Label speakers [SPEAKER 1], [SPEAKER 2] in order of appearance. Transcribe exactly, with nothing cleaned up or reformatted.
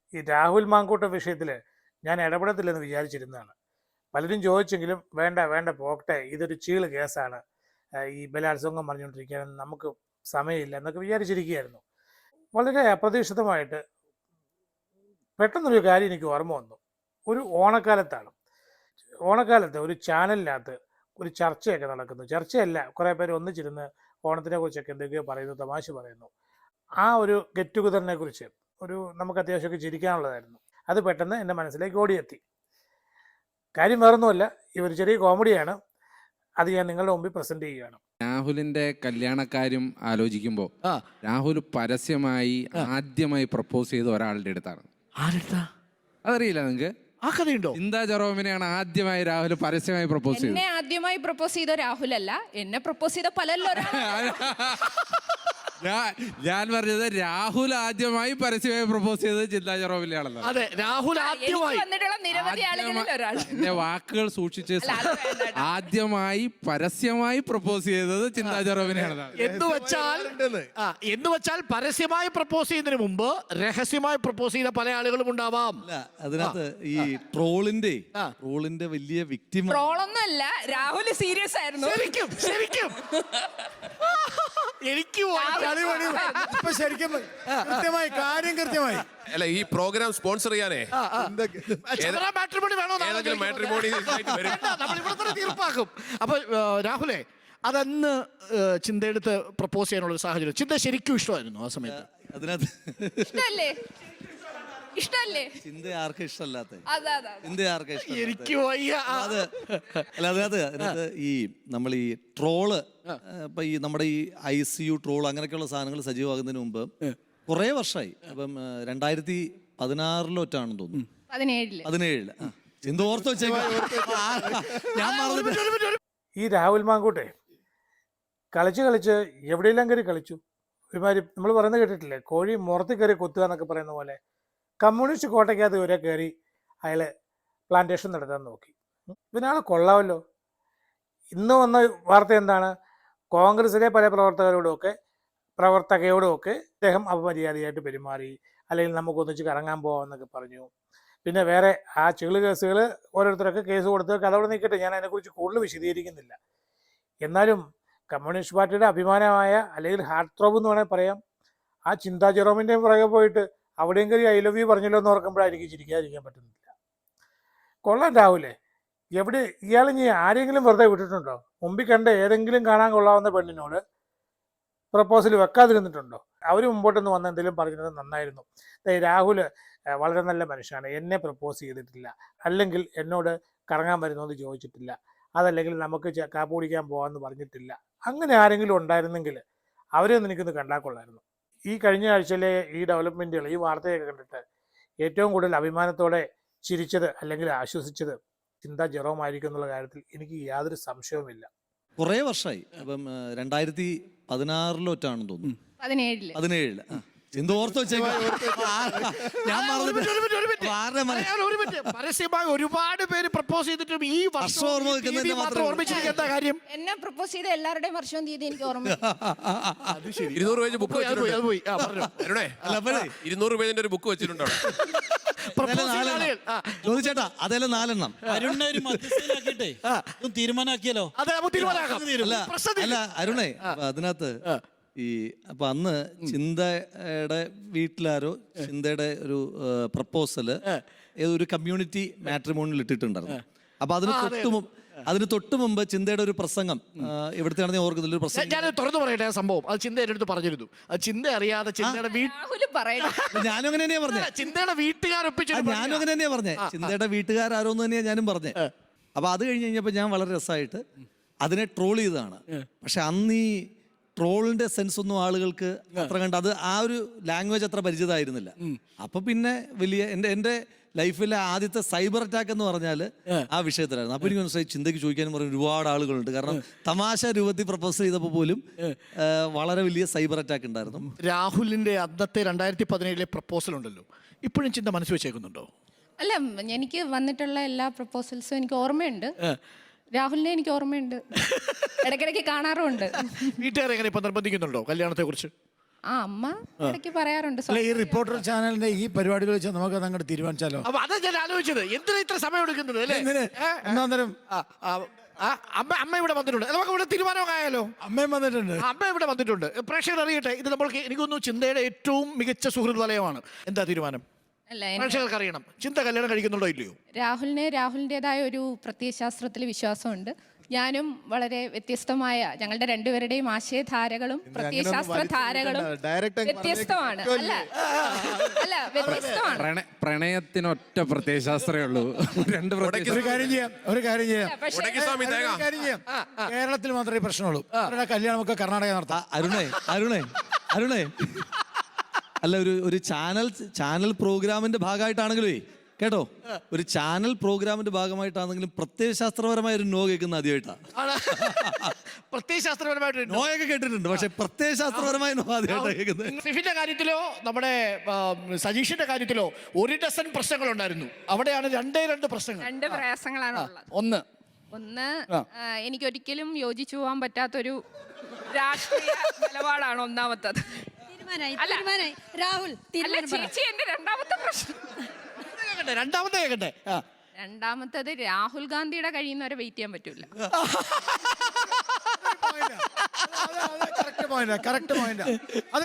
[SPEAKER 1] ഈ രാഹുൽ മാങ്കൂട്ടം വിഷയത്തിൽ ഞാൻ ഇടപെടത്തില്ലെന്ന് വിചാരിച്ചിരുന്നതാണ്. പലരും ചോദിച്ചെങ്കിലും വേണ്ട വേണ്ട പോകട്ടെ, ഇതൊരു ചീള് കേസാണ്, ഈ ബലാത്സംഗം പറഞ്ഞുകൊണ്ടിരിക്കുകയാണ്, നമുക്ക് സമയമില്ല എന്നൊക്കെ വിചാരിച്ചിരിക്കുകയായിരുന്നു. വളരെ അപ്രതീക്ഷിതമായിട്ട് പെട്ടെന്നൊരു കാര്യം എനിക്ക് ഓർമ്മ വന്നു. ഒരു ഓണക്കാലത്താണ്. ഓണക്കാലത്ത് ഒരു ചാനലിനകത്ത് ഒരു ചർച്ചയൊക്കെ നടക്കുന്നു. ചർച്ചയല്ല, കുറേ പേര് ഒന്നിച്ചിരുന്ന് ഓണത്തിനെ കുറിച്ചൊക്കെ എന്തൊക്കെയോ പറയുന്നു, തമാശ പറയുന്നു. ആ ഒരു ഗെറ്റ് ടുഗദറിനെ കുറിച്ച് ഒരു നമുക്ക് അത്യാവശ്യമൊക്കെ ചിരിക്കാനുള്ളതായിരുന്നു. അത് പെട്ടെന്ന് എൻ്റെ മനസ്സിലേക്ക് ഓടിയെത്തി. കാര്യം വേറൊന്നുമല്ല, ഈ ഒരു ചെറിയ കോമഡിയാണ്. അത് ഞാൻ നിങ്ങളുടെ മുമ്പിൽ പ്രസന്റ് ചെയ്യുകയാണ്.
[SPEAKER 2] രാഹുലിന്റെ കല്യാണക്കാര്യം ആലോചിക്കുമ്പോൾ രാഹുൽ പരസ്യമായി ആദ്യമായി പ്രപ്പോസ് ചെയ്ത ഒരാളുടെ അടുത്താണ്. അതറിയില്ല നിങ്ങൾക്ക്?
[SPEAKER 3] ആ കഥയുണ്ടോ?
[SPEAKER 2] ചിന്താ ജെറോമിനെയാണ് ആദ്യമായി രാഹുൽ പരസ്യമായി പ്രപ്പോസ് ചെയ്തത്.
[SPEAKER 4] എന്നെ ആദ്യമായി പ്രപ്പോസ് ചെയ്ത രാഹുൽ അല്ല, എന്നെ പ്രപ്പോസ് ചെയ്ത പലല്ലോ.
[SPEAKER 2] ഞാൻ പറഞ്ഞത് രാഹുൽ ആദ്യമായി പരസ്യമായി പ്രപ്പോസ് ചെയ്തത് ചിന്താ ജെറോമിനെയാണല്ലോ.
[SPEAKER 3] അതെ, രാഹുൽ ആദ്യമായി
[SPEAKER 4] വന്നിട്ടുള്ള നിരവധി ആളുകളിൽ ഒരാൾ.
[SPEAKER 2] എന്റെ വാക്കുകൾ സൂക്ഷിച്ച് ആദ്യമായി പരസ്യമായി പ്രപ്പോസ് ചെയ്തത് ചിന്താ ജെറോമിനെയാണ്.
[SPEAKER 3] എന്ന് വെച്ചാൽ ആ എന്ന് വെച്ചാൽ പരസ്യമായി പ്രപ്പോസ് ചെയ്യുന്നതിന് മുമ്പ് രഹസ്യമായി പ്രപ്പോസ് ചെയ്ത പല ആളുകളും ഉണ്ടാവാം.
[SPEAKER 5] അതിനകത്ത് ഈ ട്രോളിന്റെ ട്രോളിന്റെ വലിയ വിക്ടിം
[SPEAKER 4] ട്രോളൊന്നും അല്ല, രാഹുൽ സീരിയസ് ആയിരുന്നു.
[SPEAKER 3] ശരിക്കും ശരിക്കും എനിക്ക്
[SPEAKER 6] ശരിക്കും കൃത്യമായി കാര്യം കൃത്യമായി
[SPEAKER 7] അല്ല, ഈ പ്രോഗ്രാം സ്പോൺസർ ചെയ്യാനേ
[SPEAKER 3] തീർപ്പാക്കും. അപ്പൊ രാഹുലേ, അതന്ന് ചിന്തയെടുത്ത് പ്രപ്പോസ് ചെയ്യാനുള്ള സാഹചര്യം ചിന്ത ശരിക്കും ഇഷ്ടമായിരുന്നു ആ സമയത്ത്?
[SPEAKER 5] അതിനകത്ത്
[SPEAKER 4] ഇഷ്ടല്ലേ? ഇഷ്ടല്ലേ?
[SPEAKER 5] ചിന്ത ആർക്കും ഇഷ്ടമല്ലാത്ത ചിന്ത ആർക്കും ഇഷ്ടം.
[SPEAKER 3] എനിക്ക് വയ്യ.
[SPEAKER 5] അത് അല്ല, അതിനകത്ത് അതിനകത്ത് ഈ നമ്മൾ ഈ ട്രോള് ഇപ്പൊ ഈ നമ്മുടെ ഈ ഐ സി യു ട്രോൾ അങ്ങനെയൊക്കെയുള്ള സാധനങ്ങൾ സജീവമാകുന്നതിന് മുമ്പ് കുറേ വർഷമായി. അപ്പം രണ്ടായിരത്തി പതിനാറിലൊറ്റാണെന്ന് തോന്നുന്നു,
[SPEAKER 4] പതിനേഴില്
[SPEAKER 5] പതിനേഴില് ചിന്ത ഓർത്ത് വെച്ചേക്കാം. ഞാൻ മറന്നിട്ട്
[SPEAKER 1] ഈ രാഹുൽ മാങ്കൂട്ടെ കളിച്ച് കളിച്ച് എവിടെയെല്ലാം കയറി കളിച്ചു. ഒരുമാതിരി നമ്മൾ പറയുന്നത് കേട്ടിട്ടില്ലേ, കോഴി മുറത്ത് കയറി കൊത്തുക എന്നൊക്കെ പറയുന്ന പോലെ കമ്മ്യൂണിസ്റ്റ് കോട്ടയ്ക്കകത്ത് വരെ കയറി അയാൾ പ്ലാന്റേഷൻ നടത്താൻ നോക്കി. ഇതിനാൾ കൊള്ളാമല്ലോ. ഇന്ന് വന്ന വാർത്ത എന്താണ്? കോൺഗ്രസിലെ പല പ്രവർത്തകരോടുമൊക്കെ പ്രവർത്തകയോടുമൊക്കെ അദ്ദേഹം അപമര്യാദയായിട്ട് പെരുമാറി, അല്ലെങ്കിൽ നമുക്ക് ഒന്നിച്ച് കറങ്ങാൻ പോകാമെന്നൊക്കെ പറഞ്ഞു. പിന്നെ വേറെ ആ ചെളു കേസുകൾ ഓരോരുത്തരൊക്കെ കേസ് കൊടുത്ത് കഥവിടെ നിൽക്കട്ടെ, ഞാൻ അതിനെക്കുറിച്ച് കൂടുതൽ വിശദീകരിക്കുന്നില്ല. എന്നാലും കമ്മ്യൂണിസ്റ്റ് പാർട്ടിയുടെ അഭിമാനമായ, അല്ലെങ്കിൽ ഹാർട്ട് ത്രോബ് എന്ന് വേണമെങ്കിൽ പറയാം, ആ ചിന്താ ജെറോമിൻ്റെയും പുറകെ പോയിട്ട് അവിടെയും കയറി ഐ ലവ് യു പറഞ്ഞല്ലോ എന്ന് ഓർക്കുമ്പോഴായിരിക്കും ചിരിക്കാതിരിക്കാൻ പറ്റുന്നില്ല. കൊള്ളാൻ രാഹുലേ. എവിടെ ഇയാൾ ഇനി ആരെങ്കിലും വെറുതെ വിട്ടിട്ടുണ്ടോ? മുമ്പിൽ കണ്ട ഏതെങ്കിലും കാണാൻ കൊള്ളാവുന്ന പെണ്ണിനോട് പ്രപ്പോസൽ വെക്കാതിരുന്നിട്ടുണ്ടോ? അവർ മുമ്പോട്ടൊന്ന് വന്ന് എന്തെങ്കിലും പറഞ്ഞത് നന്നായിരുന്നു. രാഹുൽ വളരെ നല്ല മനുഷ്യനാണ്, എന്നെ പ്രപ്പോസ് ചെയ്തിട്ടില്ല, അല്ലെങ്കിൽ എന്നോട് കറങ്ങാൻ വരുന്നതെന്ന് ചോദിച്ചിട്ടില്ല, അതല്ലെങ്കിൽ നമുക്ക് കാപ്പ് കുടിക്കാൻ പോകാമെന്ന് പറഞ്ഞിട്ടില്ല. അങ്ങനെ ആരെങ്കിലും ഉണ്ടായിരുന്നെങ്കിൽ അവരെയൊന്നും എനിക്കൊന്ന് കണ്ടാൽ കൊള്ളായിരുന്നു. ഈ കഴിഞ്ഞ ആഴ്ചയിലെ ഈ ഡെവലപ്മെൻറ്റുകൾ, ഈ വാർത്തയൊക്കെ കണ്ടിട്ട് ഏറ്റവും കൂടുതൽ അഭിമാനത്തോടെ ചിരിച്ചത് അല്ലെങ്കിൽ ആശ്വസിച്ചത് ചിന്താ ജെറോം ആയിരിക്കും എന്നുള്ള കാര്യത്തിൽ എനിക്ക് യാതൊരു സംശയവുമില്ല.
[SPEAKER 5] കുറേ വർഷമായി. അപ്പം രണ്ടായിരത്തി പതിനാറിലൊറ്റാണെന്ന് തോന്നുന്നു,
[SPEAKER 4] പതിനേഴില്
[SPEAKER 5] പതിനേഴില് ചിന്ത ഓർത്ത് വെച്ചേക്കാം. ഞാൻ
[SPEAKER 3] പരസ്യമായി ഒരുപാട് പേര് പ്രപ്പോസ് ചെയ്തിട്ടും ഈ വർഷം ഓർമ്മിച്ചിരിക്കുന്ന കാര്യം,
[SPEAKER 4] എന്നെ പ്രപ്പോസ് ചെയ്ത എല്ലാവരുടെയും വർഷവും തീയതി എനിക്ക് ഓർമ്മ.
[SPEAKER 7] ഇരുന്നൂറ് പേജ് ബുക്ക് ഇരുന്നൂറ് പേജിന്റെ ഒരു ബുക്ക് വെച്ചിട്ടുണ്ടോ?
[SPEAKER 5] ചോദിച്ചേട്ടാ, അതെല്ലാം നാലെണ്ണം
[SPEAKER 6] തീരുമാനാക്കിയല്ലോ.
[SPEAKER 5] അല്ല അരുണേ, അതിനകത്ത് ഈ അപ്പൊ അന്ന് ചിന്തയുടെ വീട്ടിലാരോ ചിന്തയുടെ ഒരു പ്രപ്പോസല് ഒരു കമ്മ്യൂണിറ്റി മാട്രിമോണിയിൽ ഇട്ടിട്ടുണ്ടായിരുന്നു. അപ്പൊ അതിന് തൊട്ട് അതിന് തൊട്ട് മുമ്പ് ചിന്തയുടെ ഒരു പ്രസംഗം ഇവിടുത്തെ ആണെന്ന് ഓർക്കുന്നില്ല, ഒരു പ്രസംഗം
[SPEAKER 3] ഞാൻ തുറന്നു പറയട്ടെ. സംഭവം അത് ചിന്ത എൻ്റെ അടുത്ത് പറഞ്ഞിരുന്നു. അത് ചിന്ത അറിയാതെ ചിന്തയുടെ
[SPEAKER 5] ഞാനും അങ്ങനെ തന്നെയാ പറഞ്ഞത്.
[SPEAKER 3] ചിന്തയുടെ വീട്ടുകാരൊപ്പിച്ചു
[SPEAKER 5] ഞാനും അങ്ങനെ തന്നെയാ പറഞ്ഞത്. ചിന്തയുടെ വീട്ടുകാരോന്ന് തന്നെയാ ഞാനും പറഞ്ഞത്. അപ്പൊ അത് കഴിഞ്ഞ് കഴിഞ്ഞപ്പോ ഞാൻ വളരെ രസമായിട്ട് അതിനെ ട്രോൾ ചെയ്തതാണ്. പക്ഷെ അന്ന് ഈ ട്രോളിന്റെ സെൻസ് ഒന്നും ആളുകൾക്ക് അത്ര കണ്ട് അത് ആ ഒരു ലാംഗ്വേജ് അത്ര പരിചിതമായിരുന്നില്ല. അപ്പൊ പിന്നെ വലിയ എൻ്റെ എൻ്റെ ലൈഫിലെ ആദ്യത്തെ സൈബർ അറ്റാക്ക് എന്ന് പറഞ്ഞാൽ ആ വിഷയത്തിലായിരുന്നു. അപ്പൊ എനിക്ക് മനസ്സിലായി ചിന്തയ്ക്ക് ചോദിക്കാനും പറഞ്ഞ ഒരുപാട് ആളുകളുണ്ട്. കാരണം തമാശ രൂപത്തിൽ പ്രപ്പോസ് ചെയ്തപ്പോൾ പോലും വളരെ വലിയ സൈബർ അറ്റാക്ക് ഉണ്ടായിരുന്നു.
[SPEAKER 3] രാഹുലിന്റെ അന്നത്തെ രണ്ടായിരത്തി പതിനേഴിലെ പ്രപ്പോസൽ ഉണ്ടല്ലോ, ഇപ്പോഴും ചിന്ത മനസ്സ് വെച്ചേക്കുന്നുണ്ടോ?
[SPEAKER 4] അല്ല, എനിക്ക് വന്നിട്ടുള്ള എല്ലാ പ്രപ്പോസൽസും എനിക്ക് ഓർമ്മയുണ്ട്. രാഹുലിനെ എനിക്ക് ഓർമ്മയുണ്ട്, ഇടയ്ക്കിടയ്ക്ക് കാണാറുമുണ്ട്.
[SPEAKER 3] വീട്ടുകാരെ എങ്ങനെ ഇപ്പൊ നിർബന്ധിക്കുന്നുണ്ടോ കല്യാണത്തെ കുറിച്ച്?
[SPEAKER 4] ആ അമ്മ ഇടയ്ക്ക് പറയാറുണ്ട്
[SPEAKER 6] അല്ല ഈ റിപ്പോർട്ടർ ചാനലിന്റെ ഈ പരിപാടികൾ വെച്ച് നമുക്ക് അതങ്ങോട്ട് തീരുമാനിച്ചാലോ?
[SPEAKER 3] അപ്പൊ അതാ ഞാൻ ആലോചിച്ചത്, എന്തിനാ ഇത്ര സമയം എടുക്കുന്നത് അല്ലേ?
[SPEAKER 6] എന്തിന്?
[SPEAKER 3] ഏ?
[SPEAKER 6] ഒന്നാം തരം
[SPEAKER 3] ആ, ആ, ആ, അമ്മ അമ്മ ഇവിടെ വന്നിട്ടുണ്ട്. നമുക്ക് ഇവിടെ തീരുമാനമായാലോ?
[SPEAKER 6] അമ്മയും വന്നിട്ടുണ്ട്.
[SPEAKER 3] അമ്മ ഇവിടെ വന്നിട്ടുണ്ട്. പ്രേക്ഷകർ അറിയട്ടെ, ഇത് നമ്മൾക്ക് എനിക്കൊന്നു ചിന്തയുടെ ഏറ്റവും മികച്ച സുഹൃത്ത് വലയമാണ്. എന്താ തീരുമാനം?
[SPEAKER 4] അല്ല എൻ-
[SPEAKER 3] പ്രേക്ഷകർക്ക് അറിയണം, ചിന്ത കല്യാണം കഴിക്കുന്നുണ്ടോ ഇല്ലയോ?
[SPEAKER 4] രാഹുലിന് രാഹുലിൻ്റെതായ ഒരു പ്രത്യയശാസ്ത്രത്തിൽ വിശ്വാസമുണ്ട്. ഞാനും വളരെ വ്യത്യസ്തമായ ഞങ്ങളുടെ രണ്ടുപേരുടെയും ആശയധാരകളും പ്രത്യയശാസ്ത്ര ധാരകളും വ്യത്യസ്തമാണ്. അല്ല അല്ല വ്യത്യസ്തമാണ്.
[SPEAKER 2] പ്രണ പ്രണയത്തിനൊറ്റ പ്രത്യയശാസ്ത്രമേ ഉള്ളൂ. രണ്ട് പ്രത്യയ
[SPEAKER 6] ഒരു കാര്യം ചെയ്യാം, ഒരു കാര്യം ചെയ്യാം,
[SPEAKER 4] പക്ഷേ
[SPEAKER 7] ഉടക്കി സ്വാമി തേങ്ങ.
[SPEAKER 6] ഒരു കാര്യം ചെയ്യാം. കേരളത്തിൽ മാത്രമേ ഈ പ്രശ്നമുള്ളൂ. അവരുടെ കല്യാണമൊക്കെ കർണാടക നടത്താം.
[SPEAKER 5] ആ, അരുണേ അരുണേ അരുണേ അല്ല ഒരു ഒരു ചാനൽ ചാനൽ പ്രോഗ്രാമിന്റെ ഭാഗമായിട്ടാണെങ്കിലേ കേട്ടോ, ഒരു ചാനൽ പ്രോഗ്രാമിന്റെ ഭാഗമായിട്ടാണെങ്കിലും പ്രത്യയശാസ്ത്രപരമായ ഒരു നോ കേൾക്കുന്ന ആദ്യമായിട്ടാണ്.
[SPEAKER 3] പ്രത്യയശാസ്ത്രപരമായിട്ട്
[SPEAKER 5] നോയൊക്കെ കേട്ടിട്ടുണ്ട്, പക്ഷെ പ്രത്യയശാസ്ത്രപരമായ നോ ആദ്യമായിട്ടാണ് കേൾക്കുന്നത്.
[SPEAKER 3] സിഫിന്റെ കാര്യത്തിലോ നമ്മുടെ ആ, സജീഷിന്റെ കാര്യത്തിലോ ഒരു ഡസൻ പ്രശ്നങ്ങൾ ഉണ്ടായിരുന്നു. അവിടെയാണ് രണ്ടേ രണ്ട് പ്രശ്നങ്ങൾ.
[SPEAKER 4] രണ്ട് പ്രയാസങ്ങളാണ് ഉള്ളത്.
[SPEAKER 3] ഒന്ന്
[SPEAKER 4] ഒന്ന് ആ, എനിക്കൊരിക്കലും യോജിച്ചു പോകാൻ പറ്റാത്തൊരു രാഷ്ട്രീയ നിലപാടാണ് ഒന്നാമത്തത്.
[SPEAKER 8] തീരുമാനായി
[SPEAKER 4] അല്ല.
[SPEAKER 8] തീരുമാനായി രാഹുൽ
[SPEAKER 4] അല്ല
[SPEAKER 8] തീരുമാനം പറ.
[SPEAKER 4] ചേച്ചി എന്റെ രണ്ടാമത്തെ പ്രശ്നം.
[SPEAKER 3] കേക്കട്ടെ, രണ്ടാമത്തെ കേക്കട്ടെ. ആ.
[SPEAKER 4] രണ്ടാമത്തത് രാഹുൽ ഗാന്ധിയുടെ കഴിയുന്നവരെ വെയിറ്റ് ചെയ്യാൻ പറ്റൂല.
[SPEAKER 6] Correct point, correct point. അത്